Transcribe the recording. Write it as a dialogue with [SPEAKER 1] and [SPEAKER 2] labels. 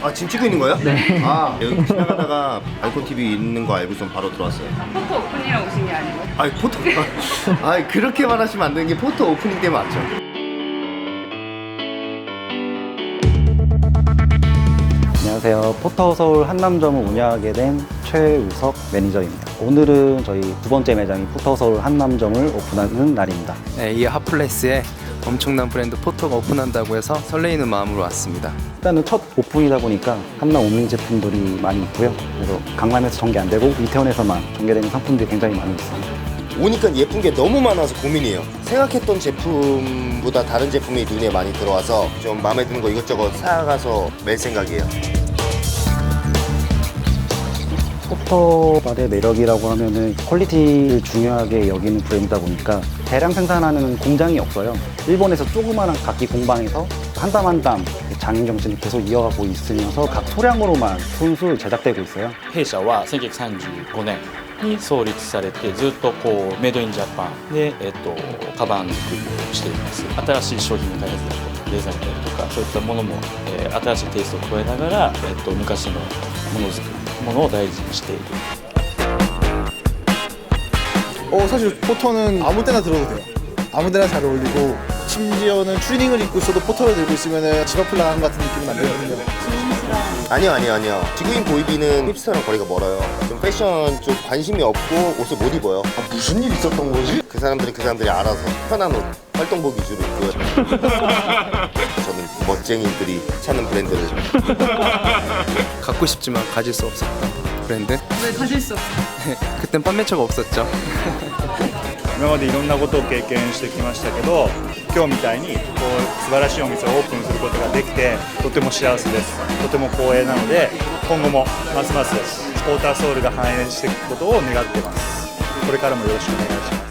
[SPEAKER 1] 아 지금 찍고 있는 거예요?
[SPEAKER 2] 네.
[SPEAKER 1] 아 여기 지나가다가 알콘 TV 있는 거 알고선 바로 들어왔어요.
[SPEAKER 3] 포토 오픈이라고 오신 게 아니고.
[SPEAKER 1] 아니 포토 아니 그렇게 말하시면 안 되는 게 포토 오프닝 때 맞죠?
[SPEAKER 2] 안녕하세요. 포터서울 한남점을 운영하게 된 최우석 매니저입니다. 오늘은 저희 두 번째 매장인 포터서울 한남점을 오픈하는 날입니다.
[SPEAKER 4] 네, 이 핫플레스에 엄청난 브랜드 포토가 오픈한다고 해서 설레이는 마음으로 왔습니다.
[SPEAKER 2] 일단은 첫 오픈이다 보니까 한남 오밍 제품들이 많이 있고요. 그래서 강남에서 전개 안 되고 이태원에서만 전개되는 상품들이 굉장히 많이 있습니다.
[SPEAKER 1] 오니까 예쁜 게 너무 많아서 고민이에요. 생각했던 제품보다 다른 제품이 눈에 많이 들어와서 좀 마음에 드는 거 이것저것 사가서 맬 생각이에요.
[SPEAKER 2] 포터발의 매력이라고 하면은 퀄리티를 중요하게 여기는 브랜드다 보니까 대량 생산하는 공장이 없어요. 일본에서 조그마한 각기 공방에서 한 땀 한 땀 장인 정신을 계속 이어가고 있으면서 각 소량으로만 손수 제작되고 있어요.
[SPEAKER 5] 弊社は1935年に創立されてずっとこうメイドインジャパンで、カバン作りをしています。新しい商品の開発だとかデザインだとかそういったものも、新しいテイストを加えながら、昔のものづくりものを大事にしている。
[SPEAKER 6] 사실 포터는 아무 때나 들어도 돼요. 아무 데나 잘 어울리고 심지어는 추리닝을 입고 있어도 포터를 들고 있으면 집 앞을 나간 것 같은 느낌이 나거든요.
[SPEAKER 1] 아니요. 지구인 보이비는 힙스터랑 거리가 멀어요. 좀 패션 쪽 관심이 없고 옷을 못 입어요. 무슨 일 있었던 거지? 그 사람들이 알아서 편한 옷, 활동복 위주로 입고요. 저는 멋쟁이들이 찾는 브랜드를.
[SPEAKER 4] 갖고 싶지만 가질 수 없었던 브랜드.
[SPEAKER 3] 왜 가질 수 없어?
[SPEAKER 4] 그땐 판매처가 없었죠.
[SPEAKER 7] 今までいろんなことを経験してきましたけど、今日みたいにこう素晴らしいお店をオープンすることができてとても幸せです。とても光栄なので今後もますますポーターソウルが繁栄していくことを願っています。これからもよろしくお願いします。